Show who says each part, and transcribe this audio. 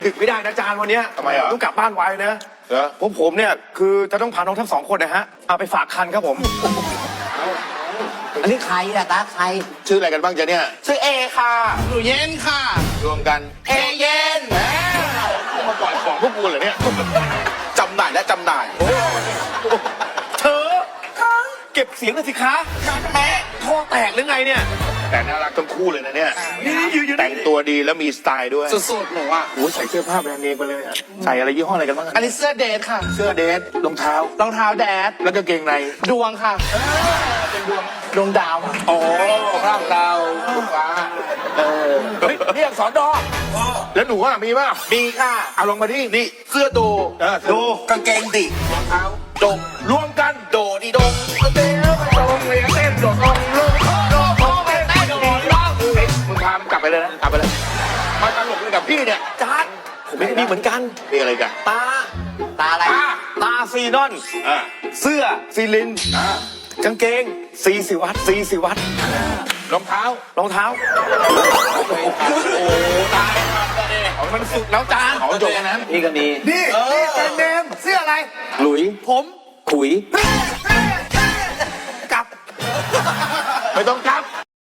Speaker 1: ดึกไม่ได้นะจานวันเนี้ย
Speaker 2: ทำไมอ่ะ
Speaker 1: ต้องกลับบ้านไวนะ
Speaker 2: เหรอ
Speaker 1: ผมเนี่ยคือจะต้องพาน้องทั้งสองคนนะฮะเอาไปฝากคันครับผม
Speaker 3: อันนี้ใครล่ะตาใคร
Speaker 2: ชื่ออะไรกันบ้างจ๊ะเนี่ย
Speaker 3: ชื่อเอค่ะหนูเย็นค่ะ
Speaker 2: รวมกัน
Speaker 3: เอเย็น
Speaker 2: เอามาปล่อยของพวกกูเหรอเนี่ย
Speaker 3: จำหน่ายและจำหน่าย
Speaker 1: เธอเก็บเสียงหน่อยสิคะแม่ท่อแตกหรือไงเนี่ย
Speaker 2: แต่น่ารักทั้งคู่เลยนะเนี่ย
Speaker 1: นี่ยืน
Speaker 2: แต่งตัวดีแล้วมีสไตล์ด้วย
Speaker 3: สุดๆหนูอ่ะ
Speaker 2: โอ้ยใส่เสื้อผ้าแบรนด์เนมไปเลยอะใส่อะไรยี่ห้ออะไรกันบ้างอะ
Speaker 3: อันนี้เสื้อเดทค่ะ
Speaker 2: เสื้อเดทรองเท้าร
Speaker 3: องเท้าแดด
Speaker 2: แล้วก็เกงใน
Speaker 3: ดวงค่ะดวงดาวค่ะ
Speaker 2: โอ้พระดาวลูกฟ้าเฮ้ยเรียกสอนดอแล้วหนูอะมีป่ะ
Speaker 3: มีค่ะ
Speaker 2: เอาลงมาที่นี่
Speaker 3: เสื้อโด
Speaker 2: ดู
Speaker 3: กางเกงดิรองเท้าดง
Speaker 2: รวมกัน
Speaker 3: โดดีดง
Speaker 2: เต้นโดนเลยเต้นโดดลงลูกโดดลงเต้นโดดลงมึงพามันกลับไปเลยนะกลับไปเลยมาตลกเลยกับพี่เนี่ย
Speaker 1: จานผมไม่มีเหมือนกัน
Speaker 2: มีอะไรกัน
Speaker 1: ตา
Speaker 3: ตาอะไร
Speaker 1: ตาซีนอน
Speaker 2: อ่า
Speaker 1: เสื้อซีลิน กางเกงซีสิวัตซีสิวัต
Speaker 2: รองเท้าร
Speaker 1: องเท้า
Speaker 2: โอ้ตาย
Speaker 1: มันสุดแล้วจาน
Speaker 2: ของจบนั้น
Speaker 3: นี่ก็มี
Speaker 1: นี่แบรนด์เนมเสื้ออะไร
Speaker 3: หลุย
Speaker 1: ผม
Speaker 3: ขุย
Speaker 1: กลับ
Speaker 2: ไม่ต้องกลับ